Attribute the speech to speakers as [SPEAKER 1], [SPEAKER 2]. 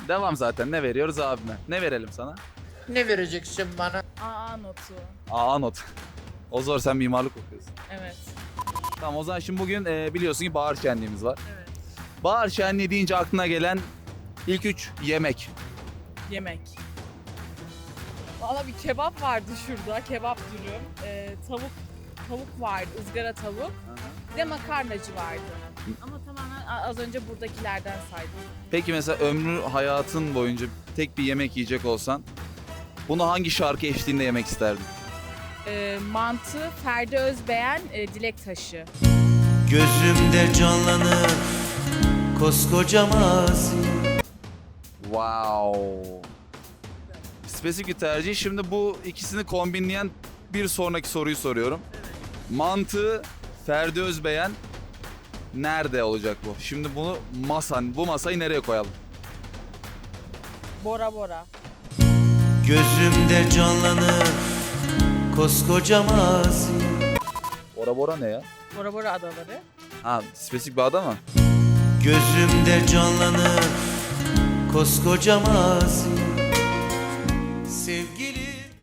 [SPEAKER 1] Devam zaten. Ne veriyoruz abime? Ne verelim sana?
[SPEAKER 2] Ne vereceksin bana?
[SPEAKER 3] AA notu.
[SPEAKER 1] Aa not. O zor, sen mimarlık okuyorsun.
[SPEAKER 3] Evet.
[SPEAKER 1] Tamam, o zaman şimdi bugün biliyorsun ki bahar şenliğimiz var.
[SPEAKER 3] Evet.
[SPEAKER 1] Bahar şenliği deyince aklına gelen ilk 3 yemek.
[SPEAKER 3] Yemek. Valla bir kebap vardı şurada. Kebap dürüm. Tavuk vardı. Izgara tavuk. Bir de makarnacı vardı. Ama tamamen az önce buradakilerden saydım.
[SPEAKER 1] Peki mesela ömrü hayatın boyunca tek bir yemek yiyecek olsan bunu hangi şarkı eşliğinde yemek isterdin?
[SPEAKER 3] Mantı, Ferdi Özbeğen, Dilek Taşı.
[SPEAKER 4] Gözümde canlanır koskoca mazi.
[SPEAKER 1] Wow. Spesifik bir tercih. Şimdi bu ikisini kombinleyen bir sonraki soruyu soruyorum. Mantı, Ferdi Özbeğen nerede olacak bu? Şimdi bunu bu masayı nereye koyalım?
[SPEAKER 3] Bora Bora.
[SPEAKER 4] Gözümde canlanır koskoca mazi.
[SPEAKER 1] Bora Bora ne ya?
[SPEAKER 3] Bora Bora adaları.
[SPEAKER 1] Ha, spesifik bir ada mı?
[SPEAKER 4] Gözümde canlanır koskoca mazi.